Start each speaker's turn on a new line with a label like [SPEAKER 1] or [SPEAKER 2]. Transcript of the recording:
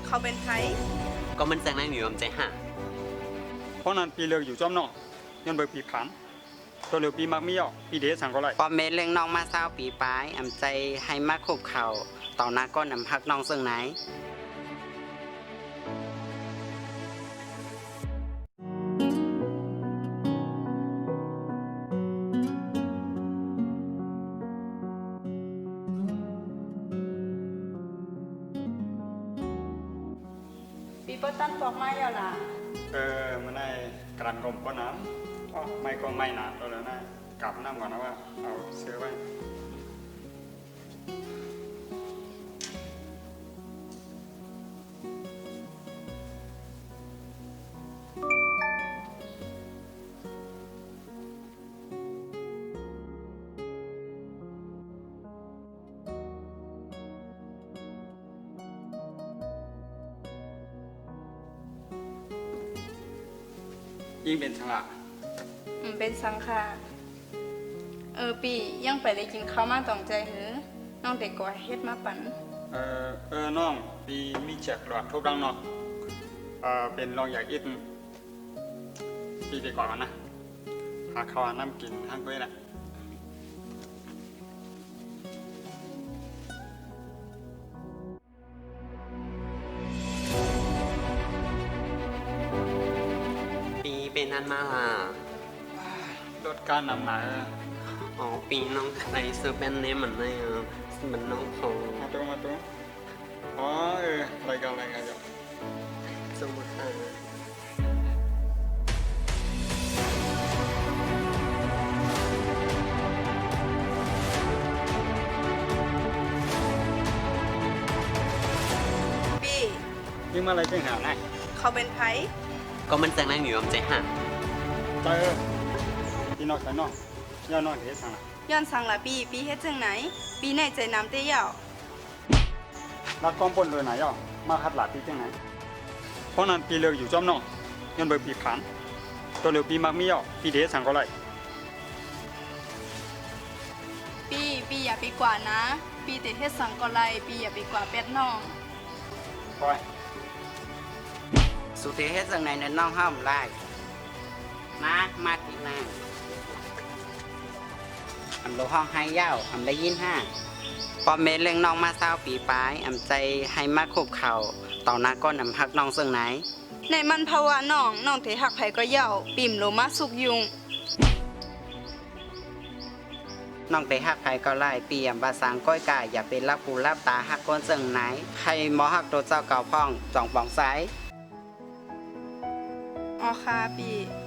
[SPEAKER 1] เขาเป็นไผ
[SPEAKER 2] ก็มันแซงนั่งอยู่อำใจห่า
[SPEAKER 3] เพราะนั้นปีเลือกอยู่จอมนอกย้อนเบิกปีผันตัวเลือกปีมักมีอ่ะปีเดชสั่งก็ไร
[SPEAKER 4] ปอมเมเรื่องน้องมาเศร้าปีปลายอำใจให้มาคุบเข่าต่อหน้าก้นนำพักน้องซึ่งไหน
[SPEAKER 1] ปีเปิ้ลตั้นปอกไม้ยาวล่ะ
[SPEAKER 3] มันได้กรันกลมก็น้ำอ๋อไม่ก็ไม่หนาตัวแล้วนะกลับน้ำก่อนนะว่าเอาเสื้อไว้ยิ่งเป็นสังละ
[SPEAKER 1] เป็นสังค่ะปียังไปได้กินข้าวมาต้องใจหือน้องเด็กก่อเฮ็ดมาปั่น
[SPEAKER 3] น้องปีมีแจกหลอดทุบดังเนาะเป็นลองอยากอิดปีดีกว่ากันนะหาข้าวน้ำกินทั้งด้วยนะ
[SPEAKER 2] ปีเป็นนั่นมาล่ะ
[SPEAKER 3] ลดการนำหนา
[SPEAKER 2] อ๋อปีน้องใส่เสื้อแบรนด์เนมเหมือนในมันน้องพง
[SPEAKER 3] มาตัวอ๋อรายการอยู่
[SPEAKER 2] สมมติค่ะ
[SPEAKER 1] ปี
[SPEAKER 3] ยิ่งมาอะไรจึงหาได้
[SPEAKER 1] เขาเป็นไผ
[SPEAKER 2] ก็มันแซงนั่งอยู่อำใจห่า
[SPEAKER 3] เจอพี่นอกใส่นอกย่อนอกเฮ็ดสั่งละ
[SPEAKER 1] ย้อนสังละปีเฮ็ดจังไหนปีในใจน้ำเตี้ยาว
[SPEAKER 3] รักก้อมปนโดยไหนย่อมาคัดหลาดปีจังไหนเพราะนั้นปีเลือกอยู่จอมนอกย้อนเบิกปีผันตัวเลือกปีมักมีย่อปีเดชสั่งก็ไร
[SPEAKER 1] ปีอย่าไปกว่านะปีแต่เฮ็ดสังก็ไรปีอย่าไปกว่าเป็ดน้อง
[SPEAKER 3] ปล่อย
[SPEAKER 4] สุเทเฮ็ดซึ่งไหนเนี่ยน้องห้ามไล่มาอีกนางอำโลห้องให้ยาวอำได้ยินห้าปอมเมเรื่องน้องมาเศร้าปีปลายอำใจให้มาคุบเข่าต่อหน้าก้นนำพักน้องซึ่งไหน
[SPEAKER 1] ในมันภาวะน้องเทหักไผก็เย่าปิ่มโลมาสุกยุง
[SPEAKER 4] น้องไปหักไผก็ไล่เปียมบาสังก้อยกายอย่าเป็นรับหูรับตาหักก้นซึ่งไหนใครมอหักตัวเจ้าเก่าพ่องจ่องปองไซ
[SPEAKER 1] อ๋อค่ะปี